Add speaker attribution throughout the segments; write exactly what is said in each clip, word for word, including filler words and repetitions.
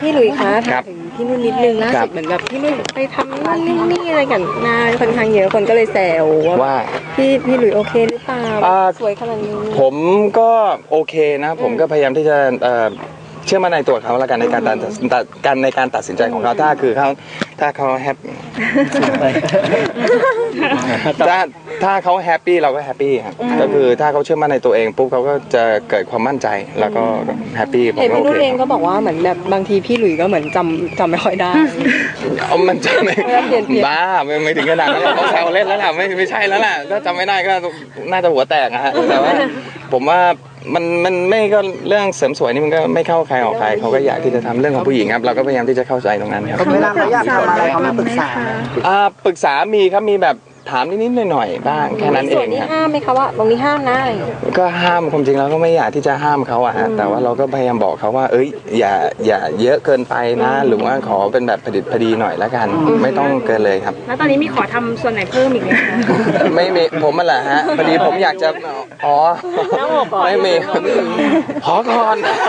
Speaker 1: พี่หลุยส์คะ
Speaker 2: ครั
Speaker 1: ถาม
Speaker 2: บ
Speaker 1: ถึงพี่นุ่นนิดนึงล่า
Speaker 2: ครั
Speaker 1: สุ
Speaker 2: บ
Speaker 1: ดเหมือนแบบพี่นุ่นไปทำนั่นนี่นี่อะไรกันนาค่อนข้างเยอะคนก็เลยแซว
Speaker 2: ว่า
Speaker 1: ว่าพี่พี่หลุยส์โอเคหรือเปล่า
Speaker 2: อ่า
Speaker 1: สวยขนาดนี้
Speaker 2: ผมก็โอเคนะ ผมก็พยายามที่จะเอ่อเชื่อมั่นในตัวเขาแล้วกันในการตัดตัดการในการตัดสินใจของเขาถ้าคือเขาถ้าเขาแฮปถ้าถ้าเขาแฮปปี้เราก็แฮปปี้ครับก็คือถ้าเขาเชื่อมั่นในตัวเองปุ๊บเขาก็จะเกิดความมั่นใจแล้วก็แฮปปี้ผม
Speaker 1: เห็น
Speaker 2: ก็
Speaker 1: พี่
Speaker 2: โอ
Speaker 1: นุ่น
Speaker 2: เค
Speaker 1: เองก็บอกว่าเหมือนแบบบางทีพี่หลุยส์ก็เหมือนจำจำไม่ค่อยได้
Speaker 2: เอามันจะไม่
Speaker 1: เวลาเปลี่ยนเปลี่ยน
Speaker 2: บ้าไม่ไม่ถึงขนาดนั้นเขาแซวเล่นแล้วล่ะไม่ไม่ใช่แล้วล่ะถ้าจำไม่ได้ก็น่าจะหัวแตกนะฮะแต่ว่าผมว่ามันมันไม่ก็เรื่องเสริมสวยนี่มันก็ไม่เข้าใครออกใครเขาก็อยากที่จะทำเรื่องของผู้หญิงครับเราก็พยายามที่จะเข้าใจตรงนั้นครับ
Speaker 3: เวลาเขาอยากทำอะไรเขามาปรึกษา
Speaker 2: อ่าปรึกษามีครับมีแบบถามนิดๆหน่อยๆบ้างแค่นั้นเอ
Speaker 1: ส่วน
Speaker 2: ง
Speaker 1: นี้
Speaker 2: ครับ
Speaker 1: ห้ามไหมคะว่าตรงนี้ห้ามนะอะไรอย่างเงี้ย
Speaker 2: ก็ห้ามความจริงแล้วก็ไม่อยากที่จะห้ามเขาอะฮะแต่ว่าเราก็พยายามบอกเขาว่าเอ้ยอย่าอย่าเยอะเกินไปนะ หรือว่าขอเป็นแบบผดิตพอดีหน่อยละกัน ไม่ต้องเกินเลยครับ
Speaker 4: แล้วตอนนี้มีขอทำส่วนไหนเพิ่มอีกไหมคะ
Speaker 2: ไม่มีผมมันแหละฮะพอดีผมอยากจะอ๋อไม่มีขอก่อน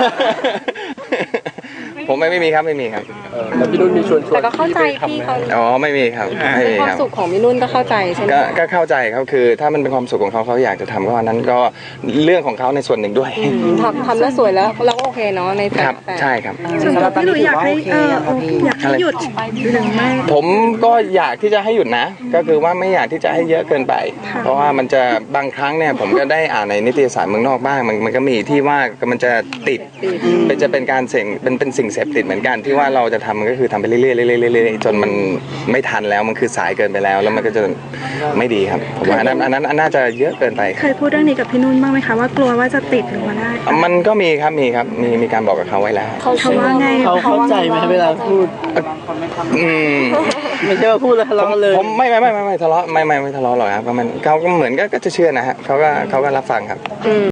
Speaker 2: ผมไม่ไม่มีครับไม่มีครับ
Speaker 3: แล้วพี่นุ่นมีชวนชวน
Speaker 1: แต่ก็เข้าใจพี่เขา
Speaker 2: อ๋อไม่มีครับไม่
Speaker 1: เป็น
Speaker 2: มี
Speaker 1: ความ
Speaker 2: ครับ
Speaker 1: สุขของพี่นุ่นก็เข้าใจใช่ไหม
Speaker 2: ก็ก็เข้าใจเขาคือถ้ามันเป็นความสุขของเขาเขาอยากจะทำก็อันนั้นก็เรื่องของเขาในส่วนหนึ่งด้วย
Speaker 1: อืมทำทำแล้วสวยแล้วเราก็โอเคเนาะในแต่
Speaker 2: ครับ
Speaker 1: แต่
Speaker 2: ใช่ครับ
Speaker 3: ส่วนตัวพี่หลุยอยากให้เอออยากให้หยุดหรือไม่
Speaker 2: ผมก็อยากที่จะให้หยุดนะ ก็คือว่าไม่อยากที่จะให้เยอะเกินไป เพราะว่ามันจะบางครั้งเนี่ยผมก็ได้อ่านในนิตยสารเมืองนอกบ้างมันมันก็มีที่ว่ามันจะติดเป็นจะเป็นการเสี่ยงเป็นเป็นสิ่งเสพติดเหมือนกันที่ว่าเราจะทำมันก็คือทำไปเรื่อยๆเรื่อยๆเรื่อยๆจนมันไม่ทันแล้วมันคือสายเกินไปแล้ว แล้วมันก็จะไม่ดีครับผมว่าอันนั้นอันนั้นอันน่าจะเยอะเกินไป
Speaker 4: เคยพูดเรื่องนี้กับพี่นุ่นบ้างไหมคะว่ากลัวว่าจะติดหรือว่าได้
Speaker 2: มันก็มีครับมีครับมีมีการบอกกับเขาไว้แล้ว
Speaker 1: เขา
Speaker 4: เขาว่าไง
Speaker 3: เขาเข้าใจไหมเวลาพูด
Speaker 2: อืม
Speaker 3: ไม่ใช่ว่าพูดแล้วทะเลาะเลย
Speaker 2: ผมไม่ไม่ไม่ไม่ไม่ทะเลาะไม่ไม่ไม่ทะเลาะหรอกครับเพราะมันเขาก็เหมือนก็ก็จะเชื่อนะฮะเขาก็เขาก็รับฟังครับ